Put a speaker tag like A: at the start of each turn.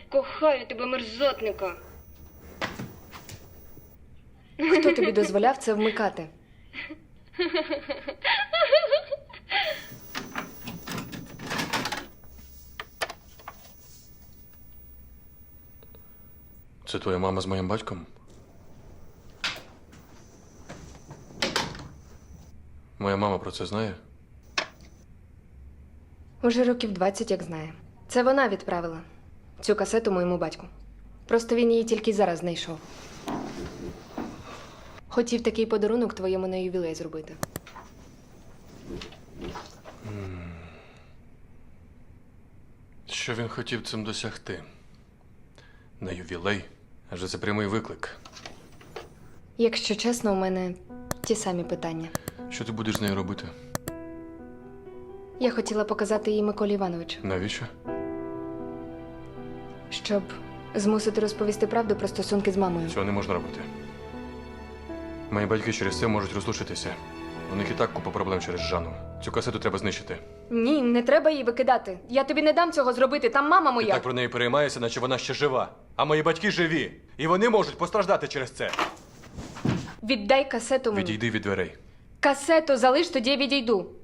A: Кохаю тебе, мерзотника.
B: Хто тобі дозволяв це вмикати?
C: Це твоя мама з моїм батьком? Моя мама про це знає?
B: Уже років 20, як знає. Це вона відправила цю касету моєму батьку. Просто він її тільки зараз знайшов. Хотів такий подарунок твоєму на ювілей зробити.
C: Що він хотів цим досягти? На ювілей? Адже це прямий виклик.
B: Якщо чесно, у мене ті самі питання.
C: Що ти будеш з нею робити?
B: Я хотіла показати її Миколі Івановичу,
C: Навіщо?
B: щоб змусити розповісти правду про стосунки з мамою.
C: Цього не можна робити. Мої батьки через це можуть розлучитися. У них і так купа проблем через Жанну. Цю касету треба знищити.
B: Ні, не треба її викидати. Я тобі не дам цього зробити, там мама
C: Ти
B: моя.
C: так про неї переймаєшся, наче вона ще жива. А мої батьки живі. І вони можуть постраждати через це.
B: Віддай касету мені.
C: Відійди від дверей.
B: Касету залиш, тоді я відійду.